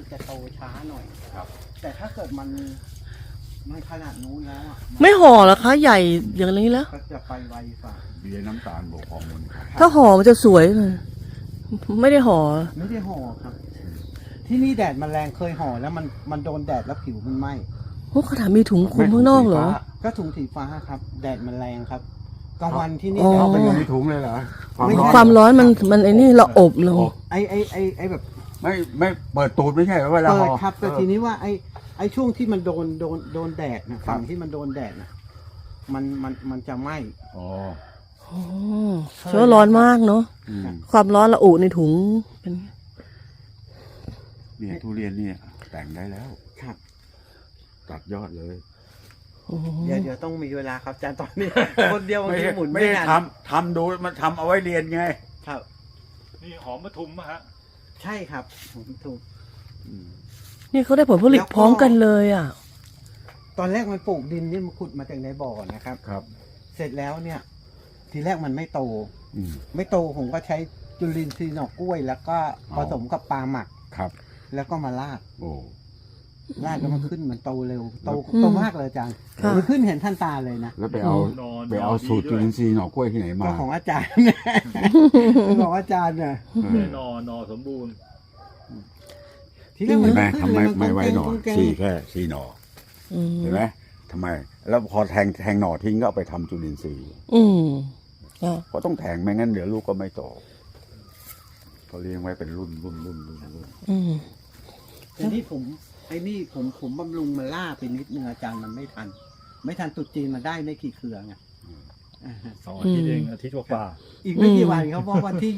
มันจะโตช้าหน่อยครับแต่ถ้าเกิดมันขนาดนู้นแล้วอ่ะไม่ห่อเหรอคะใหญ่อย่างนี้แล้วก็จะไปไวฝ่าเบียร์น้ำตาลบวกฮอร์โมนครับถ้าห่อมันจะสวยเลยไม่ได้ห่อไม่ได้ห่อครับ ที่นี่แดดมันแรงเคยห่อแล้วมันโดนแดดแล้วผิวมันไหม้โอ้เขาถามมีถุงคลุมข้างนอกเหรอก็ถุงสีฟ้าครับ แดดมันแรงครับกลางวันที่นี่อ๋อแดดเอาไปมันอยู่ในถุงเลยเหรอความร้อนมันไอ้นี่เราอบเราไอแบบไม่เปิดตูดไม่ใช่เหรอเวลาเปิดห่อครับแต่ทีนี้ว่าไอช่วงที่มันโดนแดดนะฝั่งที่มันโดนแดดนะมันจะไหม้อ๋ออ๋อเชื้อร้อนมากเนาะอืมความร้อนระอุในถุงเป็นเนี่ยทุเรียนเนี่ยแต่งได้แล้วครับตัดยอดเลยโอ้โหเดี๋ยวต้องมีเวลาครับอาจารย์ตอนนี้ คนเดียวมันไม่หมุนไม่ไม่ได้ทันทำดูมันทำเอาไว้เรียนไงครับนี่หอมปทุมอะฮะใช่ครับผมถูกนี่เขาได้ผลผลิตแล้วก็พร้อมกันเลยอ่ะตอนแรกมันปลูกดินนี่มันขุดมาจากในบ่อนะครับครับเสร็จแล้วเนี่ย ทีแรกมันไม่โตอืมไม่โตผมก็ใช้จุลินทรีย์หน่อกล้วย แล้วก็อ๋ผอสมกับปลาหมักครับแล้วก็มาลาดโอ้ลาดแล้วมันขึ้นมันโตเร็วโตอืมโตมากเลยอาจารย์ค่ะมันขึ้นเห็นท่านตาเลยนะแล้วไปเอาสูตรจุลินทรีย์หน่อกล้วยที่ไหนมาก็ของอาจารย์ ของอาจารย์เนี่ยเออหนอสมบูรณ์ทีแรกเห็นไหมขึ้ทำไมเลยไม่ไว้หน่อกุ้งแกงสี่แค่สี่หน่ออืมเห็นไหมทำไม แล้วพอแทงหน่อทิ้งก็เอาไปทำจุลินทรีย์อืมอ่ะเพราะต้องแทงไม่งั้นเดี๋ยวลูกก็ไม่โตเขาเลี้ยงไว้เป็นรุ่นอืมทีนี้ผมบำรุงมันล่าไปนิดนึงอาจารย์มันไม่ทัน ไม่ทันตรุษจีนมาได้ไม่กี่เครือไงอ่าฮะ 2 อาทิตย์เองอาทิตย์กว่าอีกไม่กี่วันเขาบอกวันที่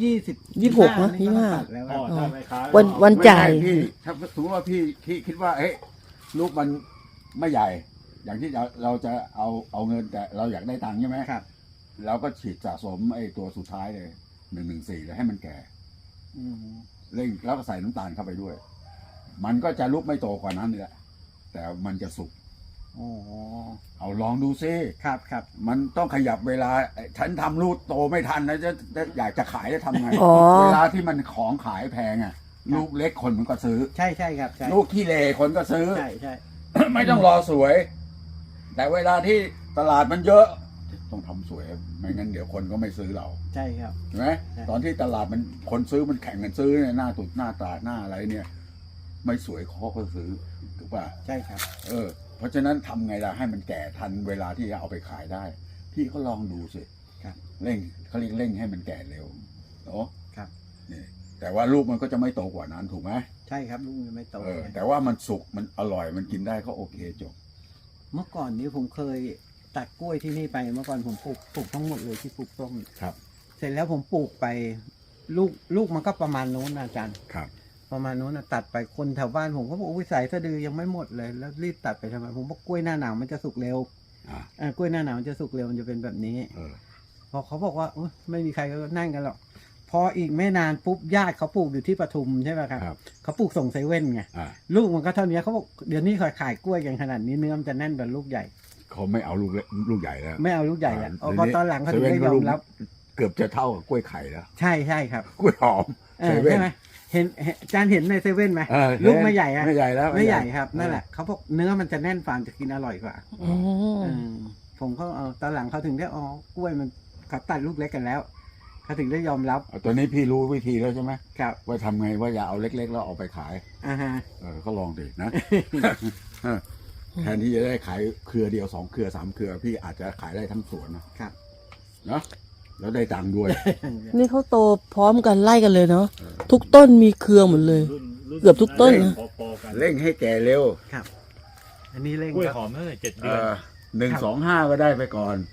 26 นะนี่ก็ต้อง 25 ตัดแล้วๆอ๋ออะถ้าไม่ค้าวันไม่จ่ายใช่พี่ถ้าสมมติว่าพี่คิดว่าเฮ้ยลูกมันไม่ใหญ่ อย่างที่เราจะเอาเงินแต่เราอยากได้ตังค์ใช่ไหมครับเราก็ฉีดสะสมไอ้ตัวสุดท้ายเลย114แล้วให้มันแก่อืมเร่งแล้วก็ใส่น้ำตาลเข้าไปด้วย มันก็จะลุกไม่โตกว่านั้นนี่แหละแต่มันจะสุกอ๋อเอาลองดูซิครับครับมันต้องขยับเวลาฉันทำลูกโตไม่ทันนะจะอยากจะขายจะทำไงอ๋อเวลาที่มันของขายแพงอ่ะ ลูกเล็กคนมันก็ซื้อใช่ใช่ครับใช่ลูกขี้เลคนก็ซื้อใช่ใช่ไม่ต้องรอสวย แต่เวลาที่ตลาดมันเยอะ ต้องทำสวย ไม่งั้นเดี๋ยวคนก็ไม่ซื้อเราใช่ครับใช่ไหมใช่ตอนที่ตลาดมันคนซื้อมันแข่งกันซื้อเนี่ยหน้าตุดหน้าตาหน้าอะไรเนี่ย ไม่สวยเขาก็ซื้อถูกป่ะใช่ครับเพราะฉะนั้นทำไงล่ะให้มันแก่ทันเวลาที่จะเอาไปขายได้ พี่ก็ลองดูสิครับเร่งเขาเรียกเร่งให้มันแก่เร็วเนาะครับนี่แต่ว่าลูกมันก็จะไม่โตกว่านั้นถูกไหมใช่ครับลูกมันไม่โตแต่ว่ามันสุกมันอร่อยมันกินได้ก็โอเคจบเมื่อก่อนนี้ผมเคยตัดกล้วยที่นี่ไปเมื่อก่อนผมปลูกทั้งหมดเลยที่ปลูกต้มครับเสร็จแล้วผมปลูกไปลูกมันก็ประมาณโน้นนะอาจารย์ครับประมาณโน้นนะตัดไปคนแถวบ้านผมก็บอกวิสัยสะดือยังไม่หมดเลยแล้วรีบตัดไปทำไมผมบอกกล้วยหน้าหนาวมันจะสุกเร็วอ่ะกล้วยหน้าหนาวมันจะสุกเร็วมันจะเป็นแบบนี้เออพอเขาบอกว่าอุ๊ยไม่มีใครก็นั่งกันหรอกพออีกไม่นานปุ๊บญาติเขาปลูกอยู่ที่ปทุมใช่ไหมครับครับเขาปลูกส่งเซเว่นไงอ่ะลูกมันก็เท่านี้เขาบอกเดี๋ยวนี้ขายกล้วยกันขนาดนี้เนื้อมันจะแน่นกว่าลูกใหญ่เขาไม่เอาลูกเล็กลูกใหญ่แล้วไม่เอาลูกใหญ่แล้วอ่าพอตอนหลังเขาถึงได้ยอมรับเกือบจะเท่ากับกล้วยไข่แล้วใช่ใช่ครับกล้วยหอมเซเว่นใช่ไหมเห็นอาจารย์เห็นในเซเว่นไหมเออลูกไม่ใหญ่อะไม่ใหญ่แล้วไม่ใหญ่ครับนั่นแหละเขาบอกเนื้อมันจะแน่นฟาร์มจะกินอร่อยกว่าอ๋อผมก็เอาตอนหลังเขาถึงได้อ๋อกล้วยมันเขาตัดลูกเล็กกันแล้วเขาถึงได้ยอมรับเอาตัวนี้พี่รู้วิธีแล้วใช่ไหมครับว่าทำไงว่าอย่าเอาเล็กๆแล้วเอาไปขายอ่าฮะก็ลองดินะ แทนที่จะได้ขายเครือเดียว2เครือ3เครือพี่อาจจะขายได้ทั้งสวนนะครับ เนาะแล้วได้ตังค์ด้วยนี่เขาโตพร้อมกันไล่กันเลยเนาะทุกต้นมีเครือหมดเลยรุ่นเกือบทุกต้นนะพอๆกันเร่งให้แก่เร็วครับอันนี้เร่งกล้วยครับหอมตั้งแต่7 เดือน 125ก็ได้ไปก่อน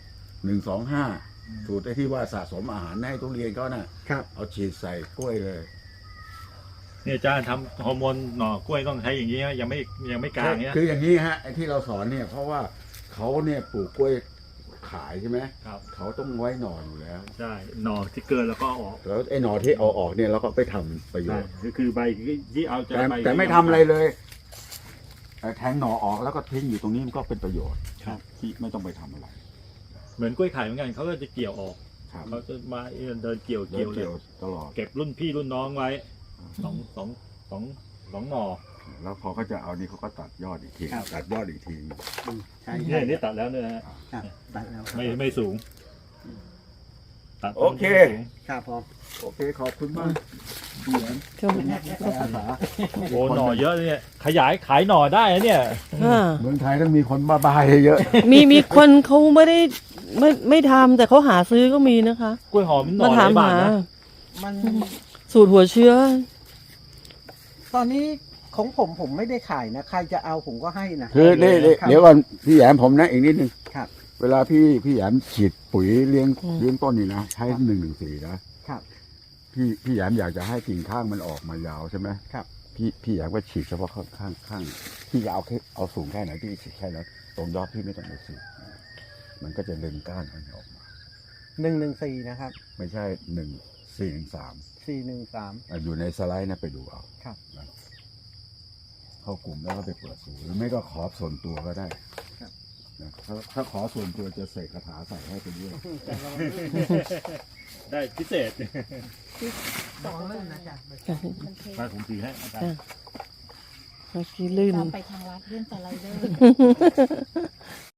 125สูตรไอ้ที่ว่าสะสมอาหารให้ทุเรียนเขาน่ะครับเอาฉีดใส่กล้วยเลยเนี่ยอาจารย์ทำฮอร์โมนหน่อกล้วยต้องใช้อย่างนี้ฮะยังไม่กลางเนี้ยคืออย่างนี้ฮะไอ้ที่เราสอนเนี่ยเพราะว่าเขาเนี่ยปลูกกล้วยขายใช่ไหมครับเขาต้องไว้หน่ออยู่แล้วใช่หน่อที่เกินแล้วก็เอาออกแล้วไอ้หน่อที่เอาออกเนี่ยเราก็ไปทำประโยใช่ชน์คือใบที่เอาจะแต่ใบแต่ไม่ทำอะไรเลยแทงหน่อออกแล้วก็ทิ้งอยู่ตรงนี้มันก็เป็นประโยชน์ที่ไม่ต้องไปทำอะไรเหมือนกล้วยไข่เหมือนกันเขาก็จะเกี่ยวออกครับเขาจะมาเดินเกี่ยวเกี่ยวเลยตลอดเก็บรุ่นพี่รุ่นน้องไว้สองหน่อแล้วพอเขาจะเอานี่เขาก็ตัดยอดอีกทีครับตัดยอดอีกทีใช่เนี่ยนี่ตัดแล้วเนี่ยนะฮะครับตัดแล้วไม่สูงตัดโอเคไม่สูงครับผมโอเคขอบคุณมากพี่แหวนช่วงแปลภาษาโอ้หน่อเยอะเลยเนี่ยขยายขายหน่อได้นะเนี่ยอ่าเมืองไทยต้องมีคนบ้าๆเยอะมีคนเขาไม่ได้ไม่ทำแต่เขาหาซื้อก็มีนะคะกล้วยหอมหน่มาอถามในบ้านหานะมันสูตรหัวเชื้อตอนนี้ของผมไม่ได้ขายนะ ใครจะเอาผมก็ให้นะคือนี่ครับเดี๋ยวก่อนพี่แหยมผมนะอีกนิดนึงครับเวลาพี่แหยมฉีดปุ๋ยเลี้ยงต้นนี่นะใช้114นะครับ พี่แหยมอยากจะให้กิ่งข้างมันออกมายาวใช่ไหมครับพี่แหยมก็ฉีดเฉพาะข้างพี่จะเอาสูงแค่ไหนพี่ฉีดแค่นั้นตรงยอดพี่ไม่ต้องไปฉีดมันก็จะดึงก้านมันออกมา 114นะครับไม่ใช่1413 413 อยู่ในสไลด์นะไปดูเอาครับนะเข้ากลุ่มแล้วก็ไปเปิดสูตรหรือไม่ก็ขอส่วนตัวก็ได้ครับนะถ้าขอส่วนตัวจะเสกคาถาใส่ให้ไปด้วยได้พิเศษสองเล่มนะจ๊ะมันเทมาผมถือให้อาจารย์เมื่อกี้ลื่นตามไปทางวัดเรื่องสไลเดอร์